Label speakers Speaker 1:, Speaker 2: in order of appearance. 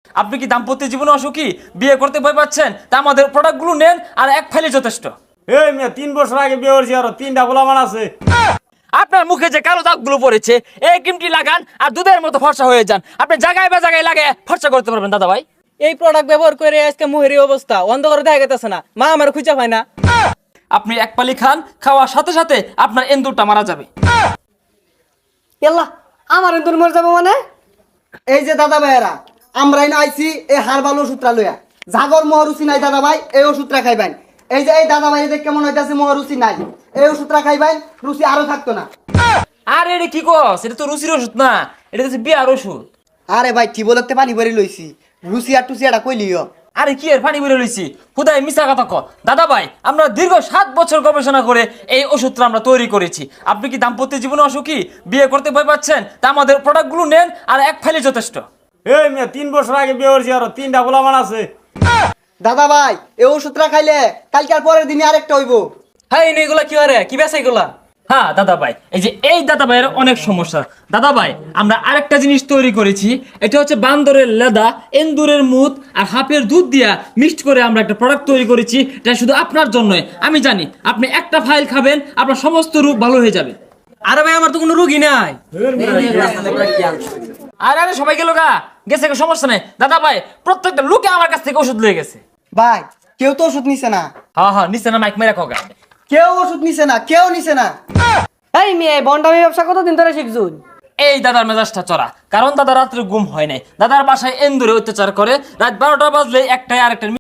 Speaker 1: আপনি কি দাম্পত্য জীবনে অসুখী, বিয়ে করতে ভয় পাচ্ছেন? তা আমাদের প্রোডাক্টগুলো নেন, আর এক ফাইলে যথেষ্ট।
Speaker 2: এই মেয়ে 3 বছর আগে বিয়ে করছি, আরো 3টা পোলাপান আছে।
Speaker 1: আপনার মুখে যে কালো দাগগুলো পড়েছে, এই ক্রিমটি লাগান আর দুধের মতো ফর্সা হয়ে যান। আপনি জায়গায় বা জায়গায় লাগে ফর্সা করতে পারবেন দাদা ভাই।
Speaker 3: এই প্রোডাক্ট ব্যবহার করে আজকে মুহের এই অবস্থা, অন্ধকারে দেখা গেতেছে না, মা আমার খুঁজে পায় না।
Speaker 1: আপনি এক পালি খান, খাওয়ার সাথে সাথে আপনার এন্দুরটা মারা যাবে।
Speaker 4: এল্লা আমার এন্দুর মরে যাবো মানে? এই যে দাদা ভাইয়েরা, আমরাই না আইছি এই হারবাল ওষুধটা লইয়া। জাগর মহরুচি নাই দাদা ভাই, এই ওষুধটা খাইবেন। এই যে এই দাদা ভাই দেখ কেমন হইতাছে, মহরুচি নাই, এই ওষুধটা খাইবেন, রুচি আরো থাকতো না।
Speaker 1: আর এটা কি কস? এটা তো রুচির ওষুধ না, এটা হচ্ছে বিয়ার ওষুধ।
Speaker 4: আরে ভাই টিবলতে পানি ভরে লইছি, রুচি আর টুচি এটা কইলিও।
Speaker 1: আরে কি এর পানি বেরো লইছি, খুদাই মিছা কথা ক। দাদা ভাই, আমরা দীর্ঘ 7 বছর গবেষণা করে এই ওষুধটা আমরা তৈরি করেছি। আপনি কি দাম্পত্য জীবনে অসুখী, বিয়ে করতে ভয় পাচ্ছেন? তা আমাদের প্রোডাক্টগুলো নেন, আর এক ফাইলে যথেষ্ট।
Speaker 2: এই মেয়ে 3 বছর আগে বিয়ে করছি, আরো 3টা পোলাপান আছে।
Speaker 4: দাদা ভাই এই ওষুধটা খাইলে কালকে আর পরের দিনে আরেকটা হইব।
Speaker 3: হ্যাঁ এগুলা কি আরে কি বেছে এগুলা?
Speaker 1: হ্যাঁ দাদা ভাই, এই দাদা ভাইয়ের অনেক সমস্যা। দাদা ভাই, আমরা আরেকটা জিনিস তৈরি করেছি। এটা হচ্ছে বান্দরের লেদা, এন্দুরের মুত আর হাফের দুধ দিয়া মিক্সড করে আমরা একটা প্রোডাক্ট তৈরি করেছি। এটা শুধু আপনার জন্যই। আমি জানি আপনি একটা ফাইল খাবেন, আপনার সমস্ত রোগ ভালো হয়ে যাবে।
Speaker 3: আরে ভাই আমার তো কোনো রোগী নাই।
Speaker 1: আরে সবাই গেল গেছে, সমস্যা নেই। দাদা ভাই, প্রত্যেকটা লোকে আমার কাছ থেকে ওষুধ লয়ে গেছে।
Speaker 4: ভাই কেউ তো ওষুধ নিছে না,
Speaker 1: হ্যাঁ নিচে না, মাইক মেরে খোকা।
Speaker 4: কেউ ওষুধ নিছে না, কেউ নিছে না।
Speaker 3: এই মেয়ে বন্ডামি ব্যবসা কতদিন ধরে শিখছুন?
Speaker 1: এই দাদার মেজাজটা চড়া, কারণ দাদা রাত্রে ঘুম হয় নাই। দাদার বাসায় এন্দুরে অত্যাচার করে, রাত 12টা বাজলে একটাই আরেকটা